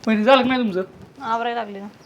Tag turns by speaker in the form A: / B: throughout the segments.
A: म्हणजे झालं का नाही तुमचं?
B: आवरायला लागले ना.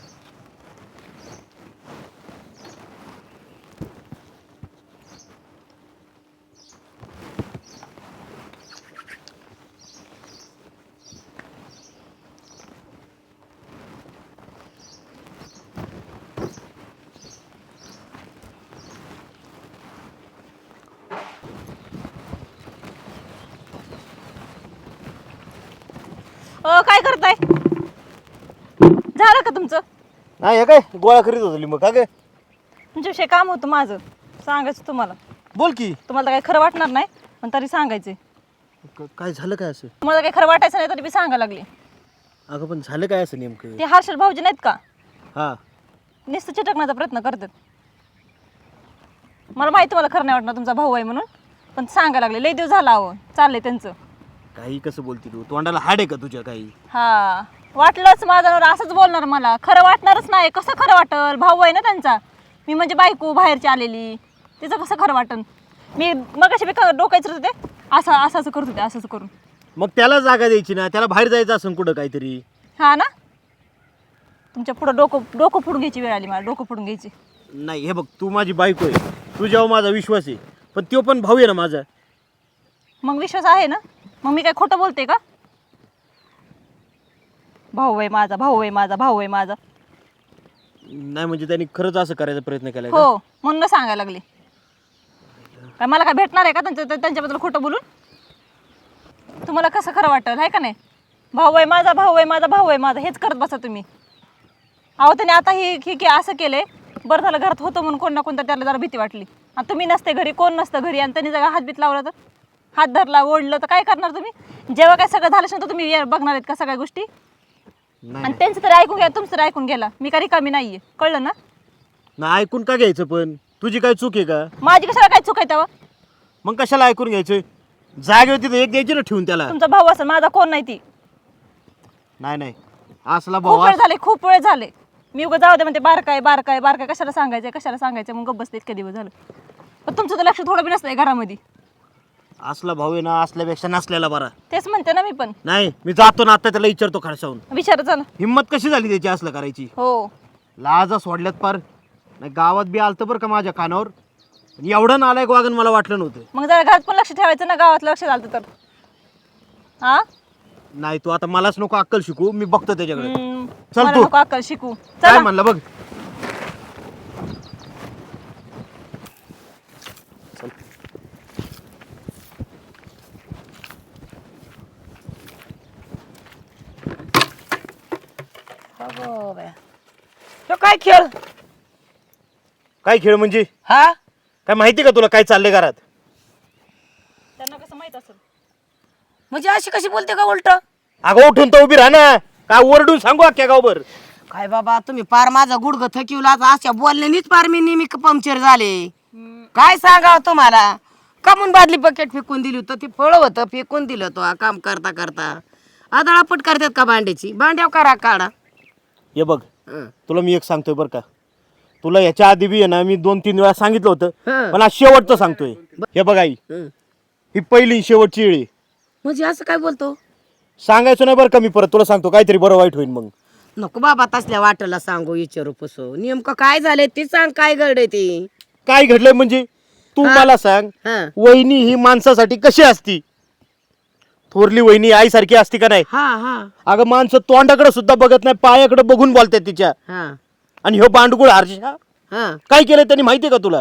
B: काय करताय? झालं का तुमचं?
C: नाही हे काय गोळा करीत होतो लिंब का गे?
B: तुमच्याविषयी काम होतं माझं, सांगायचं तुम्हाला.
C: बोल की.
B: तुम्हाला तर काही खरं वाटणार नाही, पण तरी सांगायचे.
C: काय झालं काय असं?
B: तुम्हाला काही खरं वाटायचं नाही तरी मी सांगायला लागले.
C: अगं पण झालं काय असं नेमकं?
B: ते हर्षल भाऊजी नाहीत का,
C: हा
B: नुसतं चिटकण्याचा प्रयत्न करतात. मला माहिती मला खरं नाही वाटणार तुमचा भाऊ आहे म्हणून, पण सांगायला लागले. लई दिवस झाला अहो, चाललंय त्यांचं.
C: काही कसं बोलती तू? तोंडाला हाड आहे का तुझ्या काही?
B: हा वाटलंच माझं असंच बोलणार. मला खरं वाटणारच नाही. कसं खरं वाटल? भाऊ आहे ना त्यांचा. मी म्हणजे बायको बाहेरची आलेली, तिचं कसं खरं वाटन? मी मगाशी बी डोकायचं होते, असं असं असं करत होते, असं असं करून.
C: मग त्याला जागा द्यायची ना, त्याला बाहेर जायचं असं कुठं काहीतरी.
B: हा ना, तुमच्या पुढं डोकं फोडून घ्यायची वेळ आली मला. डोकं फोडून घ्यायची
C: नाही. हे बघ, तू माझी बायको आहे, तुझ्यावर माझा विश्वास आहे, पण तो पण भाऊ आहे ना माझा.
B: मग विश्वास आहे ना, मग मी काय खोटं बोलते का? भाऊ आहे माझा, भाऊ आहे माझा, भाऊ आहे माझा.
C: नाही म्हणजे त्यांनी खरंच असं करायचा प्रयत्न केलाय का?
B: हो, म्हणून सांगायला लागले. काय मला काय भेटणार आहे का त्यांच्याबद्दल खोटं बोलून? तुम्हाला कसं खरं वाटेल आहे का नाही? भाऊ आहे माझा, भाऊ आहे माझा, भाऊ आहे माझा, हेच करत बसा तुम्ही. अहो त्याने आता हे असं केलंय. बरं झालं घरात होतं म्हणून कोण ना कोणतं त्याला जरा भीती वाटली. आणि तुम्ही नसते घरी, कोण नसतं घरी, आणि त्यांनी जरा हातबीत लावला तर, हात धरला ओढलं तर काय करणार तुम्ही? जेव्हा काय सगळं झालं असेल तर तुम्ही बघणार आहेत का सगळ्या गोष्टी? आणि त्यांचं तरी ऐकून घ्या, तुमचं तरी ऐकून गेला. मी का रिकामी नाहीये, कळलं ना?
C: नाही ऐकून का घ्यायचं? पण तुझी काय चूक आहे का?
B: माझी कशाला काय चूक आहे तेव्हा?
C: मग कशाला ऐकून घ्यायचं? जागेवर तिथं एक द्यायची ना ठेवून त्याला.
B: तुमचा भाऊ असेल, माझा कोण नाही ती.
C: नाही असला
B: खूप
C: भाऊ
B: वेळ झाले, खूप वेळ झाले. मी उगा जाऊ दे म्हणते, बारकाय बारकाय बारकाय, कशाला सांगायचं मग गप्प बसते. इतके दिवस झालं. पण तुमचं तर लक्ष थोडं बी नसतंय घरामध्ये.
C: असला भाऊ आहे ना, असल्यापेक्षा नसलेला बरा.
B: तेच म्हणते ना मी पण.
C: नाही, मी जातो ना आता, त्याला विचारतो खडसावून.
B: विचार चला.
C: हिम्मत कशी झाली त्याची असलं करायची?
B: हो,
C: लाजा सोडल्यात पार. नाही गावात बी आलतं बरं का माझ्या कानावर, पण एवढं नालायक वागण मला वाटलं नव्हतं.
B: मग जरा घरात पण लक्ष ठेवायचं ना, गावात लक्ष झालं तर. हा
C: नाही तू आता मलाच नको अक्कल शिकू, मी बघतो त्याच्याकडे. चल
B: मला
C: तू.
B: नको अक्कल शिकू.
C: काय
B: चला.
C: म्हणलं बघ.
D: तो काय खेळ?
C: काय खेळ म्हणजे?
D: हा
C: काय माहिती का तुला काय चाललंय घरात?
B: त्यांना कसं माहित असेल?
D: म्हणजे अशी कशी बोलते का उलट?
C: अगं उठून तर उभी राहा ना. काय ओरडून सांगू अख्ख्या गावभर?
D: काय बाबा तुम्ही पार माझा गुडघ थकिवला. अशा बोलण्यानीच पार मी नेहमी पंक्चर झाले. काय सांगावं तुम्हाला? कमून बादली बकेट फेकून दिली होतं, ती फळ होतं फेकून दिलं तो काम करता करता. आदळापट करतात का भांड्याची? भांड्याव करा काढा.
C: हे बघ, तुला मी एक सांगतोय बरं का, तुला याच्या आधी बी आहे ना मी 2-3 वेळा सांगितलं होतं, पण आज शेवटचं सांगतोय. हे बघ आई, ही पहिली शेवटची वेळ आहे.
D: म्हणजे असं काय बोलतो?
C: सांगायचं नाही बरं का, मी परत तुला सांगतो, काहीतरी बरं वाईट होईल मग.
D: नको बाबा तसल्या वाटला सांगू, विचारू पुसो. नेमकं काय झालंय ते सांग, काय घडलंय ते.
C: काय घडलंय म्हणजे? तू मला सांग,
D: हा
C: वहिनी ही माणसासाठी कशी असती? थोरली वहिनी आईसारखी असती का नाही?
D: हा हा
C: अगं माणसं तोंडाकडे सुद्धा बघत नाही, पायाकडे बघून बोलतात तिच्या.
D: हा
C: आणि ह्यो बांडगुळ हर्षा
D: हा
C: काय केलंय त्यांनी माहितीये का तुला?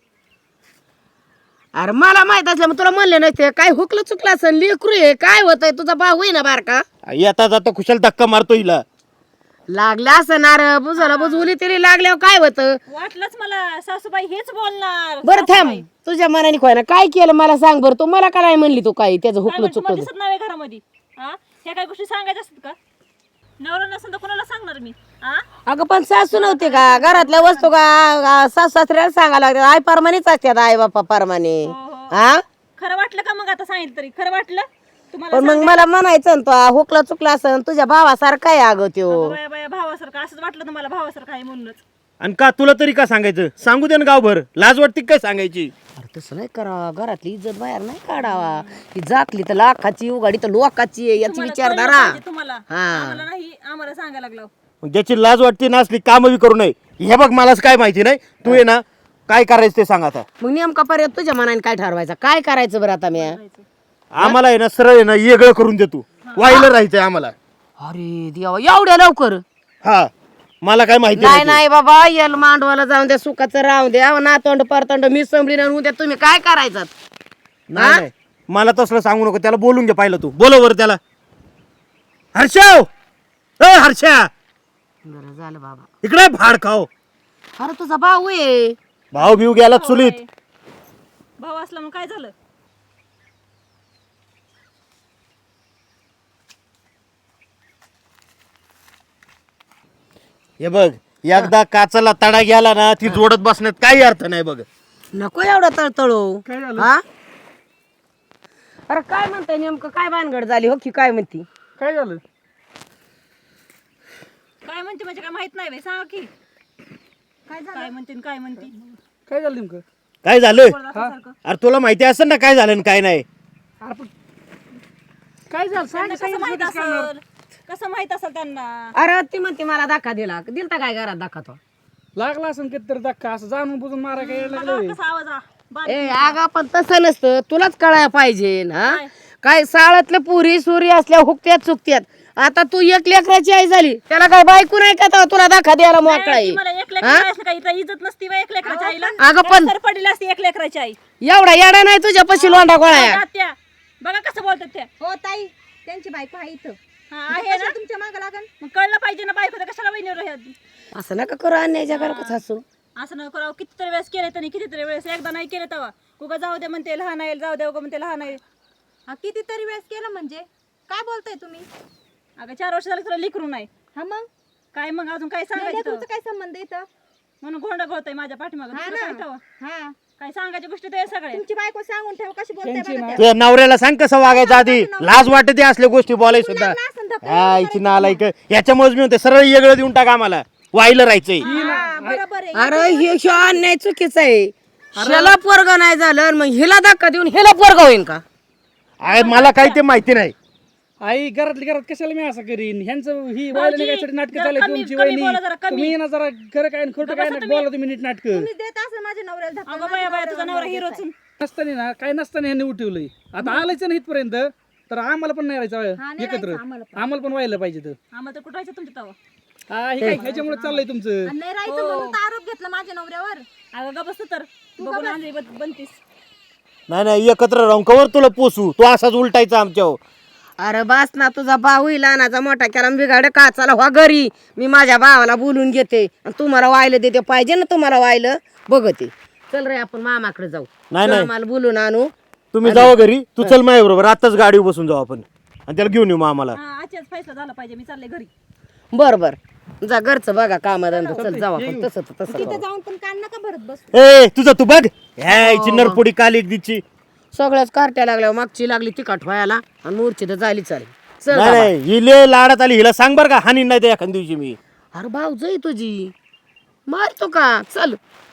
D: अरे मला माहित असलं मग तुला म्हणले नसते. काय हुकलं चुकलं असं लेकरू आहे. काय होतंय? तुझा भाऊ आहे ना बारका?
C: येता जाता कुशाल धक्का मारतो हिला.
D: लागल्या असणार बुजाला बुजवली तरी लागल्यावर काय होतं?
B: वाटलंच मला सासूबाई हेच बोलणार.
D: बरं थांब, तुझ्या मनाने खोय ना काय केलं मला सांग बरं. तू मला काय म्हणली तू काय त्याचं हुकलं चुकलं?
B: दिसत नाही घरामध्ये. ह्या काही गोष्टी सांगायच्या असतात का? नवरा नसेल तर कोणाला सांगणार मी?
D: अगं पण सासू नव्हते का? घरातल्या वस्तू का सासू सासऱ्याला सांगायला लागतात. आई परमानेच असतात, आई बापा परमाने. हा
B: खरं वाटलं का मग? आता सांगितलं तरी खरं वाटलं तुम्हाला?
D: पण मग मला म्हणायचं ना तो हुकला चुकला असं तुझ्या भावासारखा आहे अगं त्यो.
B: बाया बाया भावासारखं असंच वाटलं तुम्हाला? भावासारखं आहे म्हणूनच.
C: आणि का तुला तरी का सांगायचं? सांगू दे ना गावभर, लाज वाटते काय सांगायची?
D: अरे तसं नाही करावा, घरातली इज्जत बाहेर नाही काढावा. ही जाकली तर लाखाची उघाडी तर लोकाची आहे, याची विचार
B: कळलं
D: धरा.
B: पाहिजे तुम्हाला. आम्हाला नाही, आम्हाला सांगायला लागलं.
C: मग ज्याची लाज वाटते ना असली कामं बी करू नये. हे बघ मलाच काय माहिती नाही, तू ये ना काय करायचं ते सांग आता.
D: मग नेमका पर्यंत तुझ्या मनाने काय ठरवायचं, काय करायचं बरं आता मी?
C: आम्हाला आहे ना सरळ आहे ना वेगळं करून दे तू, वाहिलं राहायचंय आम्हाला.
D: अरे देवा, एवढ्या लवकर?
C: हा, मला काय माहिती
D: नाही नाही बाबा, यल मांडवाला जाऊन द्या, सुखाचं राहून द्या, नातोंड परतोंड मी संभली नाही उद्या तुम्ही काय करायचं?
C: नाही नाही, मला तसलं सांगू नको. त्याला बोलून घे पाहिलं तू, बोलव बरं त्याला. हर्षाव, हर्षा
D: बरं झालं बाबा.
C: इकडे भाड खाओ.
D: अरे तुझा भाऊ आहे.
C: भाऊ बिऊ गेला चुलीत.
B: भाऊ असला मग काय झालं?
C: हे बघ, एकदा काचाला तडा गेला ना ती जोडत बसण्यात काही अर्थ नाही बघ.
D: नको एवढा तळतळू. हा? अरे काय म्हणताय नेमकं, काय भानगड झाली हो की काय म्हणती?
A: काय झालं?
B: काय म्हणते म्हणजे काय माहित नाही बाई, सांगा की काय म्हणते आणि काय म्हणते.
A: काय झालं नेमकं?
C: काय झालं?
B: सारखं.
C: अरे तुला माहिती असेल ना काय झालं आणि काय नाही.
A: अरे पण काय झालं सांग.
B: त्यांना कसं माहित असेल, कसं माहित असेल त्यांना?
D: अरे ती म्हणते मला धक्का दिलता काय घरात धक्का तो?
A: लागला असं कितीतरी धक्का, असं जाणून बुजून मारा काय
B: बघा
A: लागलं?
B: कसा आवाज हा.
D: ए आगा पण तसं नसतं, तुलाच कळायला पाहिजे ना. काय साळातल्या पुरी सुरी असल्या हुकत्यात चुकत्यात. आता तू एक लेकराची आई झाली, त्याला काय बायको नाही का तेव्हा तुला धक्का द्यायला मोकळा आहे?
B: मला एक लेकराची असली काही इथं इज्जत नसती बा एक लेकराच्या आईला.
D: अगं पण
B: तर पडली असती एक लेकराची आई.
D: एवढा येडा नाही तुझ्या पशी लोंडा गोळ्या.
B: बघा त्या, बघा कसं बोलतात त्या.
E: हो ताई, त्यांची बायको आहे इथं.
B: हा, आहे ना.
E: तुमच्या मागं लागल.
B: मग कळलं पाहिजे ना बायको तर कशाला वहिनीवर राहत.
D: असं नका करू, अन्यायच्या घरात हसू.
B: असं न करावं. कितीतरी वेळेस केले त्यांनी, कितीतरी वेळेस. एकदा नाही केलं तेव्हा उगा जाऊ दे म्हणते लहान आहे, जाऊ दे उगा म्हणते लहान आहे.
E: हा कितीतरी वेळेस केलं म्हणजे काय बोलताय तुम्ही?
B: अगं 4 वर्ष झालं तुला लिकरू नाही
E: हा मग
B: काय, मग अजून काय सांगायचं
E: लेकरूचं काय संबंध इथं?
B: म्हणून गोंडा घोळतय माझ्या पाठीमागं.
E: हा
B: दुसरं काय
E: ना.
B: तेव्हा?
E: हा,
B: काय सांगायच्या गोष्टी ते सगळे.
E: तुमची बायको सांगून ठेव कशी बोलताय
A: त्यांची
E: बघा
A: ना-
E: त्या.
C: तुझ्या नवऱ्याला सांग कसं वागायचं आधी. लाज वाटते असल्या गोष्टी बोलाय सुद्धा.
E: लागला असेल धक्का,
C: हा, इथे नालायक. याच्यामुळेच मी म्हणते सरळ वेगळं देऊन टाका आम्हाला, वाहिलं राहायचंय.
E: हा, बरोबर आहे.
D: अरे हे अन्याय चुकीचं आहे. ह्याला पोरग नाही झालं आणि मग हिला धक्का देऊन ह्याला पोरग होईन का?
C: अरे मला काही ते माहिती नाही.
A: आई घरातली घरात कशाला मी असं करीन? ह्यांचं ही
B: भाऊजी,
A: वायला निघायसाठी नाटकं
B: जरा
A: चालले
B: कमी-
A: तुमची
B: कमी
A: वहिनी.
B: बोला जरा, कमी.
A: तुम्ही ना जरा खरं काय आणि खोटं काय ना बोला तुम्ही नीट नाटक.
E: तुम्ही देत असेल माझ्या नवऱ्याला धक्का.
B: अगं बाया बाया, तुझा नवरा हिरोच.
A: नसताना ना काय नसताना ह्यांनी उठवलंय. आता आलायच ना इथपर्यंत तर आम्हाला पण नाही राहायचं एकत्र. आम्हाला पण व्हायला पाहिजे तर.
B: आम्हाला तर कुठं राहायचं तुमच्या तेव्हा.
A: हा हे काय ह्याच्यामुळे चाललंय तुमचं.
E: आणि नाही राहायचं म्हणून तर आरोप घेतला माझ्या नवऱ्यावर.
B: अगं ग बसतो तर बघून आणली बनतीस.
C: नाही नाही, एकत्र राहून कवर तुला पोसू. तू असाच उलटायचा आमच्यावर.
D: अरे बास ना, तुझा भाऊ लहानाचा मोठा केला बिघाड का चला व्हा घरी. मी माझ्या भावाला बोलून घेते आणि तुम्हाला वाहिलं देते. पाहिजे ना तुम्हाला वाहिलं बघते. चल रे आपण मामाकडे जाऊ.
C: नाही, नाही.
D: आम्हाला बोलून आणू.
C: तुम्ही जावा घरी, तू चल माझ्या बरोबर. आताच गाडी बसून जाऊ आपण आणि त्याला घेऊन येऊ मग आम्हाला.
B: हा, आजच्याच फैसला झाला पाहिजे. मी चालले घरी.
D: बर बर जा, घरचं बघा कामधंदा. चल जाऊ आपण. तसं तसं
E: तिथे जाऊन पण कान नका भरत बस.
C: ए तुझं तू बघ. ह्याची नरपुडी काली दिची.
D: सगळ्याच कार्ट्या लागल्या. मागची लागली तिखट व्हायला आणि मूर्छी तर झाली चालेल. चल
C: नाही
D: बाबा.
C: नाही, ही लय लाडात आली. हिला सांग बरं का, हानी नाही तर एखाद्या दिवशी मी.
D: अरे भाऊ जाई तुझी मारतो का? चल